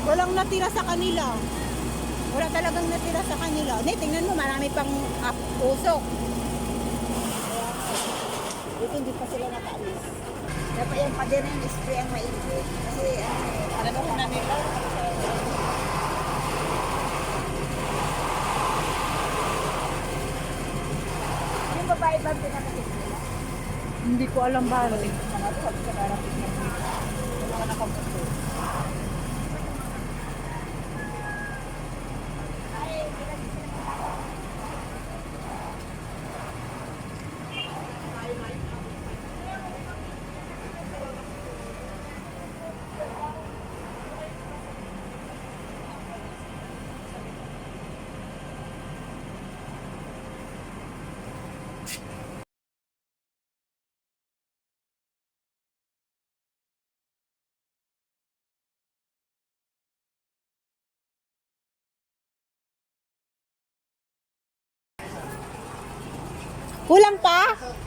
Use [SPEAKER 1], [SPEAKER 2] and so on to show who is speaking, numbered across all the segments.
[SPEAKER 1] Walang natira sa kanila. Wala talagang natira sa kanila. Hindi, tingnan mo, marami pang usok. Dito hindi pa sila nakaalis.
[SPEAKER 2] Dapat yung pader na yung spray ang maigi. Kasi
[SPEAKER 1] Ano ko na nila?
[SPEAKER 2] yung babae ba pinakasip nila?
[SPEAKER 1] Hindi ko alam ba.
[SPEAKER 2] Mga to, sabi sa karapit na yung mga nakaputo.
[SPEAKER 1] Kulang pa?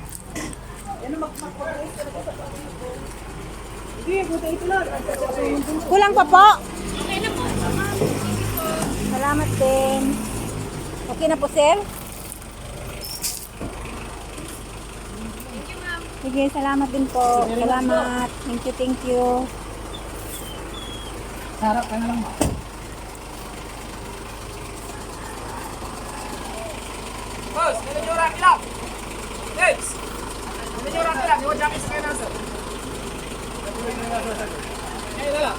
[SPEAKER 1] Kulang pa po? Salamat din. Okay na po, sir? Sige, salamat din po. Salamat. Thank you, thank you.
[SPEAKER 3] Sarap ka na lang. Boss, nilin nyo rack lang. Next. Nilin nyo rack lang. Iwan jacket sa kayo nasa. Ngayon na lang.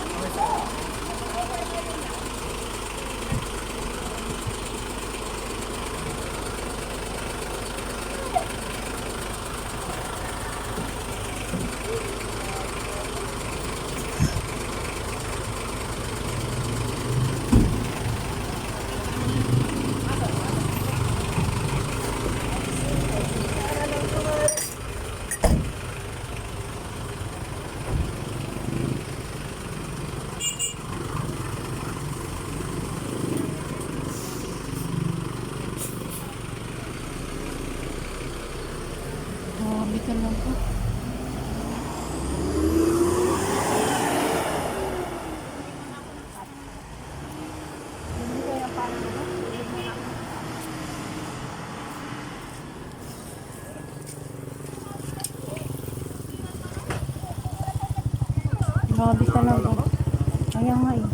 [SPEAKER 1] Grabe ka lang po. Grabe talaga. Kaya nga eh.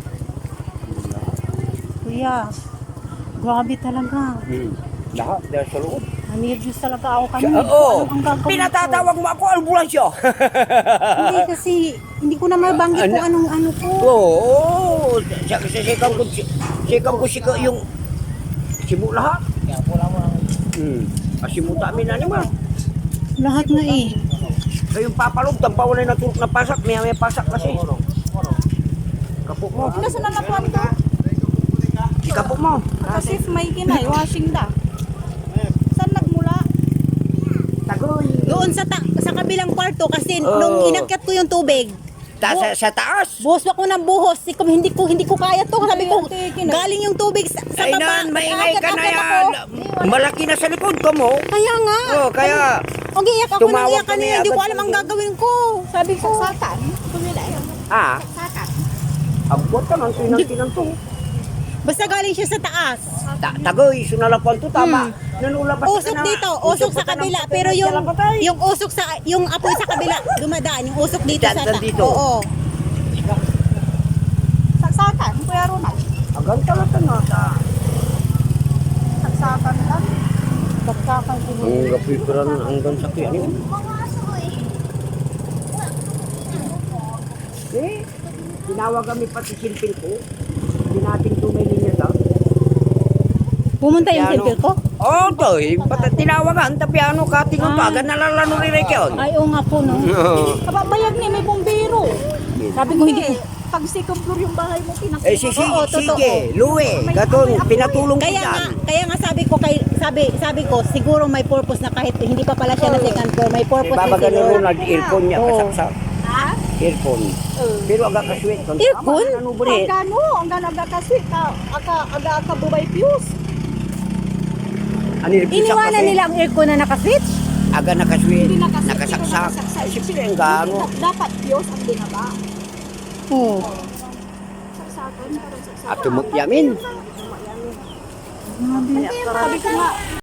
[SPEAKER 1] Kuya, grabe talaga.
[SPEAKER 4] Lahat dahil sa loob.
[SPEAKER 1] Nervous talaga ako kanina.
[SPEAKER 4] Oo.
[SPEAKER 1] Anong gagawin ko?
[SPEAKER 4] Pinatatawag mo ako, ambulansya.
[SPEAKER 1] Hindi kasi, hindi ko na mabanggit kung anong ano ko.
[SPEAKER 4] Oo. Sikam ko yung simu lahat. Asimu tamin na naman.
[SPEAKER 1] Lahat na eh.
[SPEAKER 4] Kayong papalog, tampawalay na turok na pasak. May pasak kasi. Kapok mo.
[SPEAKER 1] Nasa nalapuan to?
[SPEAKER 4] Ikapok mo.
[SPEAKER 1] Kasi may kinay, washing da. Saan nagmula?
[SPEAKER 4] Tagoy.
[SPEAKER 1] Doon sa kabilang kwarto kasi nung inakyat ko yung tubig.
[SPEAKER 4] Sa taas.
[SPEAKER 1] Buhos ako ng buhos. Hindi ko kaya to. Sabi ko, galing yung tubig sa
[SPEAKER 4] Ay
[SPEAKER 1] baba.
[SPEAKER 4] nan, maingay ka na
[SPEAKER 1] Aakyat-akyat
[SPEAKER 4] yan.
[SPEAKER 1] ako.
[SPEAKER 4] Malaki na sa likod ko mo.
[SPEAKER 1] Kaya nga.
[SPEAKER 4] Oh, kaya
[SPEAKER 1] Ang iyak ako nang
[SPEAKER 4] tumawag
[SPEAKER 1] iyak kanina.
[SPEAKER 4] kami
[SPEAKER 1] Hindi ko
[SPEAKER 4] agad
[SPEAKER 1] alam ang
[SPEAKER 4] dito.
[SPEAKER 1] gagawin ko. Sabi ko. Satan.
[SPEAKER 4] ah, abot ka man tinang to.
[SPEAKER 1] Basta galing siya sa taas.
[SPEAKER 4] Tagoy, sunalapan to tama. Nanulabas
[SPEAKER 1] Usok dito, usok sa kabila. Pero yung usok yung apoy sa kabila, dumadaan. Yung usok dito sa taas.
[SPEAKER 4] Dito.
[SPEAKER 1] Oo. Saksakan, Kuya Ronald.
[SPEAKER 4] Agang talata na ta.
[SPEAKER 1] Saksakan lang. Saksakan ko.
[SPEAKER 4] Ang gapiran hanggang sa kaya niyo. Tinawag kami pati silpil ko. Hindi natin tumili niya daw.
[SPEAKER 1] Pumunta yung
[SPEAKER 4] Piano.
[SPEAKER 1] silpil ko?
[SPEAKER 4] Oo, to. Tinawagan. Tapi ano ka, tingnan pa. Agad nalalano rin rin yun.
[SPEAKER 1] Ay, oo nga po, no? Kababayag ni, may bumbero. Sabi ko, hindi.
[SPEAKER 2] Pag second floor yung bahay mo,
[SPEAKER 4] Eh, sige,
[SPEAKER 1] Oo, totoo.
[SPEAKER 4] sige. Luwe. Gaton, pinatulong ko
[SPEAKER 1] Kaya nga
[SPEAKER 4] dyan.
[SPEAKER 1] sabi ko, siguro may purpose na kahit hindi pa pala siya na second floor, may purpose na
[SPEAKER 4] Ibabagan
[SPEAKER 1] siguro.
[SPEAKER 4] mo nag-earphone niya
[SPEAKER 1] Oo.
[SPEAKER 4] kasaksak.
[SPEAKER 2] Ha?
[SPEAKER 4] Earphone. Pero agak kaswit.
[SPEAKER 1] Earphone?
[SPEAKER 4] Ano ba rin?
[SPEAKER 2] Ang ganaga kasi, aga bubay fuse.
[SPEAKER 1] Iniwanan nila ang aircon na nakaswitch?
[SPEAKER 4] Aga nakaswit.
[SPEAKER 2] Hindi nakaswit,
[SPEAKER 4] Nakasaksak.
[SPEAKER 2] hindi nakasaksak.
[SPEAKER 4] Ay, siyempre ang gano.
[SPEAKER 2] Dapat fuse ang binaba.
[SPEAKER 1] Oo.
[SPEAKER 2] Saksakan
[SPEAKER 4] At tumukyamin.
[SPEAKER 2] Sabi ko nga,